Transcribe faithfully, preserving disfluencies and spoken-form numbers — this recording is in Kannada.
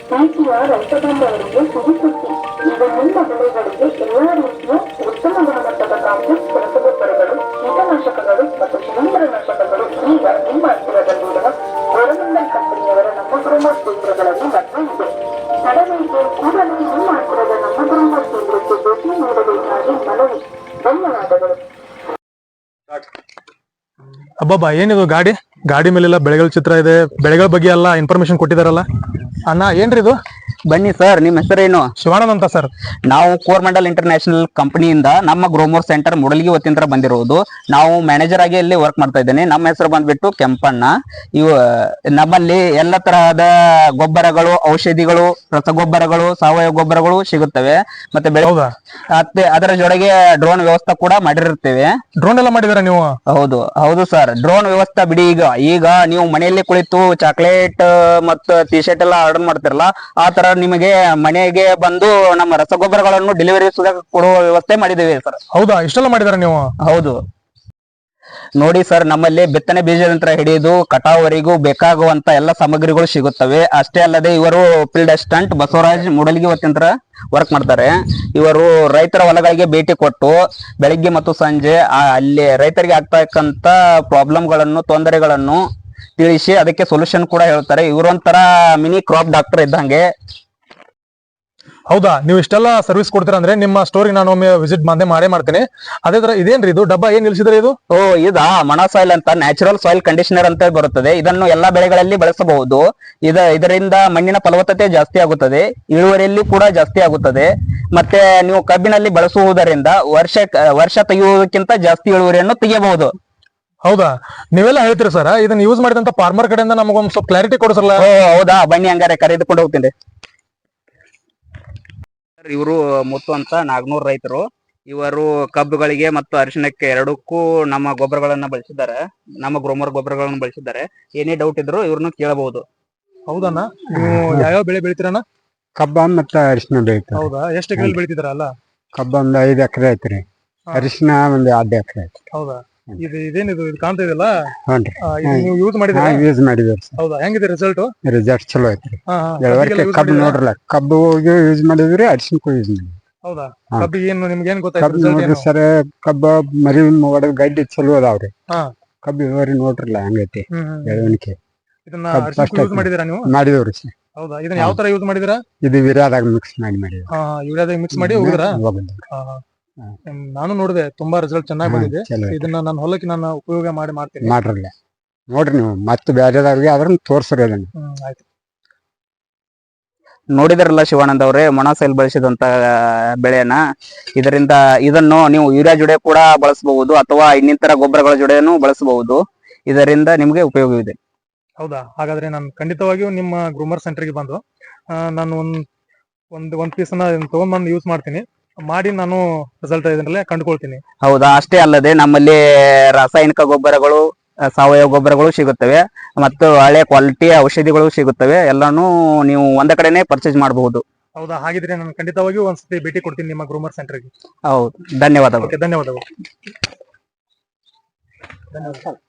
ಪ್ರೀತಿಯ ರೈತ ಬಾಂಧವರಿಗೆ ಸಿಹಿಸುದ್ದಿ. ಈಗ ನಿಮ್ಮ ಬೆಳೆಗಳಿಗೆ ಎಲ್ಲಾ ರೀತಿಯ ಉತ್ತಮ ಗುಣಮಟ್ಟದ ಕಾಂಪ್ಲೆಕ್ಸ್ ರಸಗೊಬ್ಬರಗಳು, ಕೀಟನಾಶಕಗಳು ಮತ್ತು ಶಿಲೀಂಧ್ರನಾಶಕಗಳು ಈಗ ನಿಮ್ಮ ಹತ್ತಿರದಲ್ಲಿರುವ ಗೋರಮಂಡಲ್ ಕಂಪನಿಯವರ ನಮ್ಮ ಗ್ರೋಮರ್ ಕೇಂದ್ರಗಳಲ್ಲಿ ಲಭ್ಯವಿದೆ. ತಡವೇಕೆ ಕೂಡಲೇ ನಿಮ್ಮ ಹತ್ತಿರದ ನಮ್ಮ ಗ್ರೋಮರ್ ಕೇಂದ್ರಕ್ಕೆ ಭೇಟಿ ನೀಡಬೇಕಾಗಿ ಮನವಿ. ಧನ್ಯವಾದಗಳು. ಅಬ್ಬಬ್ಬಾ, ಏನಿದು ಗಾಡಿ ಗಾಡಿ ಮೇಲೆಲ್ಲ ಬೆಳೆಗಳ ಚಿತ್ರ ಇದೆ, ಬೆಳೆಗಳ ಬಗ್ಗೆ ಎಲ್ಲ ಇನ್ಫಾರ್ಮೇಶನ್ ಕೊಟ್ಟಿದಾರಲ್ಲ. ಅಣ್ಣ ಏನ್ರಿ ಇದು? ಬನ್ನಿ ಸರ್, ನಿಮ್ಮ ಹೆಸರೇನು? ಶಿವಾನಂದ್ ಅಂತ ಸರ್. ನಾವು ಕೋರ್ಮಂಡಲ್ ಇಂಟರ್ನ್ಯಾಷನಲ್ ಕಂಪನಿಯಿಂದ ನಮ್ಮ ಗ್ರೋಮೋರ್ ಸೆಂಟರ್ ಮುಡಲ್ಗಿ ವತಿಯಿಂದ ಬಂದಿರುವುದು. ನಾವು ಮ್ಯಾನೇಜರ್ ಆಗಿ ಇಲ್ಲಿ ವರ್ಕ್ ಮಾಡ್ತಾ ಇದ್ದೇನೆ. ನಮ್ಮ ಹೆಸರು ಬಂದ್ಬಿಟ್ಟು ಕೆಂಪಣ್ಣ. ಇವು ನಮ್ಮಲ್ಲಿ ಎಲ್ಲ ತರಹದ ಗೊಬ್ಬರಗಳು, ಔಷಧಿಗಳು, ರಸಗೊಬ್ಬರಗಳು, ಸಾವಯವ ಗೊಬ್ಬರಗಳು ಸಿಗುತ್ತವೆ. ಮತ್ತೆ ಬೆಳೆ ಮತ್ತೆ ಅದರ ಜೊತೆಗೆ ಡ್ರೋನ್ ವ್ಯವಸ್ಥೆ ಕೂಡ ಮಾಡಿರುತ್ತೇವೆ. ಡ್ರೋನ್ ಎಲ್ಲ ಮಾಡಿದಾರ ನೀವು? ಹೌದು ಹೌದು ಸರ್, ಡ್ರೋನ್ ವ್ಯವಸ್ಥೆ ಬಿಡಿ. ಈಗ ಈಗ ನೀವು ಮನೆಯಲ್ಲಿ ಕುಳಿತು ಚಾಕ್ಲೇಟ್ ಮತ್ತು ಟಿ ಶರ್ಟ್ ಎಲ್ಲ ಆರ್ಡರ್ ಮಾಡ್ತಿರಲ್ಲ, ಆ ತರ ನಿಮಗೆ ಮನೆಗೆ ಬಂದು ನಮ್ಮ ರಸಗೊಬ್ಬರಗಳನ್ನು ಡೆಲಿವರಿ ಕೊಡುವ ವ್ಯವಸ್ಥೆ ಮಾಡಿದ್ದೇವೆ ಸರ್. ಹೌದಾ, ಇಷ್ಟೆಲ್ಲ ಮಾಡಿದಾರ ನೀವು? ಹೌದು ನೋಡಿ ಸರ್, ನಮ್ಮಲ್ಲಿ ಬಿತ್ತನೆ ಬೀಜದಂತ್ರ ಹಿಡಿದು ಕಟಾವವರೆಗೂ ಬೇಕಾಗುವಂತ ಎಲ್ಲ ಸಾಮಗ್ರಿಗಳು ಸಿಗುತ್ತವೆ. ಅಷ್ಟೇ ಅಲ್ಲದೆ ಇವರು ಫೀಲ್ಡ್ ಅಸಿಸ್ಟೆಂಟ್ ಬಸವರಾಜ್ ಮುಡಲ್ಗಿ ವತಿಯಿಂದ ವರ್ಕ್ ಮಾಡ್ತಾರೆ. ಇವರು ರೈತರ ಹೊಲಗಳಿಗೆ ಭೇಟಿ ಕೊಟ್ಟು ಬೆಳಿಗ್ಗೆ ಮತ್ತು ಸಂಜೆ ಅಲ್ಲಿ ರೈತರಿಗೆ ಆಗ್ತಕ್ಕಂತ ಪ್ರಾಬ್ಲಮ್ಗಳನ್ನು, ತೊಂದರೆಗಳನ್ನು ತಿಳಿಸಿ ಅದಕ್ಕೆ ಸೊಲ್ಯೂಷನ್ ಕೂಡ ಹೇಳ್ತಾರೆ. ಇವರೊಂಥರ ಮಿನಿ ಕ್ರಾಪ್ ಡಾಕ್ಟರ್ ಇದ್ದಂಗೆ. ಹೌದಾ, ನೀವು ಇಷ್ಟೆಲ್ಲ ಸರ್ವಿಸ್ ಕೊಡ್ತೀರಾ ಅಂದ್ರೆ ನಿಮ್ಮ ಸ್ಟೋರಿಗೆ ನಾನು ಒಮ್ಮೆ ವಿಸಿಟ್ ಬಂದೇ ಮಾಡೇ ಮಾಡ್ತೀನಿ. ಅದೇ ತರ ಇದೇನ್ರಿ ಇದು ಡಬ್ಬ, ಏನ್ ನಿಲ್ಸಿದ್ರೆ ಇದು? ಓ ಇದಾ ಮಣ ಸಾಯಿಲ್ ಅಂತ, ನ್ಯಾಚುರಲ್ ಸಾಯಿಲ್ ಕಂಡೀಷನರ್ ಅಂತ ಬರುತ್ತದೆ. ಇದನ್ನು ಎಲ್ಲಾ ಬೆಳೆಗಳಲ್ಲಿ ಬಳಸಬಹುದು. ಇದ ಇದರಿಂದ ಮಣ್ಣಿನ ಫಲವತ್ತತೆ ಜಾಸ್ತಿ ಆಗುತ್ತದೆ, ಇಳುವರಿಯಲ್ಲಿ ಕೂಡ ಜಾಸ್ತಿ ಆಗುತ್ತದೆ. ಮತ್ತೆ ನೀವು ಕಬ್ಬಿನಲ್ಲಿ ಬಳಸುವುದರಿಂದ ವರ್ಷ ವರ್ಷ ತೆಗೆಯುವುದಕ್ಕಿಂತ ಜಾಸ್ತಿ ಇಳುವರಿಯನ್ನು ತೆಗೆಯಬಹುದು. ಹೌದಾ, ನೀವೆಲ್ಲ ಹೇಳ್ತೀರಿ ಸರ್. ಇದನ್ನ ಯೂಸ್ ಮಾಡಿದಂತ ಫಾರ್ಮರ್ ಕಡೆಯಿಂದ ನಮಗೊಂದು ಸ್ವಲ್ಪ ಕ್ಲಾರಿಟಿ ಕೊಡಿಸಲ್ಲ? ಓ ಹೌದಾ, ಬನ್ನಿ ಹಂಗಾರೆ ಕರೆದುಕೊಂಡು ಹೋಗ್ತೀನಿ. ಇವರು ಮುತ್ತು ಅಂತ ನಾಗ್ನೂರ್ ರೈತರು. ಇವರು ಕಬ್ಬುಗಳಿಗೆ ಮತ್ತು ಅರಿಶಿಣಕ್ಕೆ ಎರಡಕ್ಕೂ ನಮ್ಮ ಗೊಬ್ಬರಗಳನ್ನ ಬಳಸಿದ್ದಾರೆ, ನಮ್ಮ ಗ್ರೋಮರ್ ಗೊಬ್ಬರಗಳನ್ನು ಬಳಸಿದ್ದಾರೆ. ಏನೇ ಡೌಟ್ ಇದ್ರು ಇವ್ರನ್ನ ಕೇಳಬಹುದು. ಹೌದಣ್ಣ, ನೀವು ಯಾವ್ಯಾವ ಬೆಳೆ ಬೆಳಿತೀರಣ್ಣ? ಕಬ್ಬ ಮತ್ತೆ ಅರಿಶಿನ ಬೆಳಿತಾರೆ. ಹೌದಾ, ಎಷ್ಟು ಎಕರೆ ಬೆಳಿತಿದಾರಲ್ಲ? ಕಬ್ಬ ಒಂದ್ ಐದ್ ಎಕರೆ ಐತ್ರಿ, ಅರಿಶಿನ ಒಂದ್ ಎರಡ್ ಎಕರೆ ಐತ್ರಿ. ಹೌದಾ, ಇದು ಇದೇನಿದು ಇದು ಕಾಣ್ತಾ ಇದೆಯಲ್ಲ, ಹ್ಞೂನ್ರಿ, ನೀವು ಯೂಸ್ ಮಾಡಿದ್ರೆ? ಯೂಸ್ ಮಾಡಿದ್ರಿ. ಹೌದಾ, ಹೆಂಗಿದೆ ರಿಸಲ್ಟ್? ರಿಸಲ್ಟ್ ಚಲೋ ಐತ್ರಿ. ಕಬ್ಬು ನೋಡ್ರಲ್ಲ, ಕಬ್ಬು ಯೂಸ್ ಮಾಡಿದ್ರಿ, ಅರಿಶಿನಕ್ಕೂ ಯೂಸ್ ಮಾಡಿದ್ರಿ. ಹೌದಾ, ಕಬ್ಬಿಗೆ ಏನು ನಿಮ್ಗೆ ಏನ್ ಗೊತ್ತಾಯ್ತು? ನೋಡ್ರಿ ಸರ್, ಕಬ್ಬ ಮರಿ ಹೊಡೆದ್ ಗಡ್ಡಿ ಚಲೋ ಅದಾವ್ರಿ. ಕಬ್ಬು ಇಳುವರಿ ನೋಡ್ರಲ್ಲ ಹೆಂಗೈತಿ ಬೆಳವಣಿಗೆ. ಇದನ್ನ ಯೂಸ್ ಮಾಡಿದಿರಾ ನೀವು? ಮಾಡಿದವ್ರಿ ಸರ್. ಹೌದಾ, ಇದನ್ನ ಯಾವ ತರ ಯೂಸ್ ಮಾಡಿದಿರಾ? ಇದು ಯೂರಿಯಾದಾಗ ಮಿಕ್ಸ್ ಮಾಡಿ ಮಾಡಿದ್ರಿ. ಹಾ, ಯೂರಿಯಾದಾಗ ಮಿಕ್ಸ್ ಮಾಡಿ ಹೋಗಿದ್ರಾ? ನಾನು ನೋಡಿದೆ, ತುಂಬಾ ರಿಸಲ್ಟ್ ಚೆನ್ನಾಗಿ ಬಂದಿದೆ. ಇದನ್ನ ನನ್ನ ಹೊಲಕ್ಕೆ ನಾನು ಉಪಯೋಗ ಮಾಡಿ ಮಾಡ್ತೀನಿ. ಮಾಡ್ರಲ್ಲ ನೋಡ್ರಿ ನೀವು, ಮತ್ತೆ ಬೇರೆದವ್ರಿಗೆ ಅದನ್ನ ತೋರ್ಸ್ರಿ ಅದನ್ನ. ಆಯ್ತು. ನೋಡಿದ್ರಲ್ಲ ಶಿವಾನಂದ್ ಅವರೇ, ಮೊಣಸೈಲ್ ಬಳಸಿದಂತ ಬೆಳೆಯನ್ನ. ಇದರಿಂದ ಇದನ್ನು ನೀವು ಯೂರಿಯಾ ಜೊಡೆ ಕೂಡ ಬಳಸಬಹುದು, ಅಥವಾ ಇನ್ನಿತರ ಗೊಬ್ಬರಗಳ ಜೊಡೆಯನ್ನು ಬಳಸಬಹುದು. ಇದರಿಂದ ನಿಮ್ಗೆ ಉಪಯೋಗವಿದೆ. ಹೌದಾ, ಹಾಗಾದ್ರೆ ನಾನು ಖಂಡಿತವಾಗಿಯೂ ನಿಮ್ಮ ಗ್ರೂಮರ್ ಸೆಂಟರ್ಗೆ ಬಂದು ನಾನು ಒಂದ್ ಒಂದ್ ಒಂದ್ ಪೀಸ್ ತಗೊಂಡ್ ಬಂದು ಯೂಸ್ ಮಾಡ್ತೀನಿ, ಮಾಡಿ ನಾನು ರಿಸಲ್ಟ್ ಇದನ್ನೆಲ್ಲ ಕಂಡುಕೊಳ್ತೀನಿ. ಹೌದಾ, ಅಷ್ಟೇ ಅಲ್ಲದೆ ನಮ್ಮಲ್ಲಿ ರಾಸಾಯನಿಕ ಗೊಬ್ಬರಗಳು, ಸಾವಯವ ಗೊಬ್ಬರಗಳು ಸಿಗುತ್ತವೆ, ಮತ್ತು ಹಳೆ ಕ್ವಾಲಿಟಿಯ ಔಷಧಿಗಳು ಸಿಗುತ್ತವೆ. ಎಲ್ಲಾನು ನೀವು ಒಂದ ಕಡೆನೆ ಪರ್ಚೇಸ್ ಮಾಡಬಹುದು. ಹೌದಾ, ಹಾಗಿದ್ರೆ ನಾನು ಖಂಡಿತವಾಗಿಯೂ ಒಂದ್ಸತಿ ಭೇಟಿ ಕೊಡ್ತೀನಿ ನಿಮ್ಮ ಗ್ರೂಮರ್ ಸೆಂಟರ್ಗೆ. ಹೌದು, ಧನ್ಯವಾದಗಳು. ಧನ್ಯವಾದಗಳು. ಧನ್ಯವಾದ.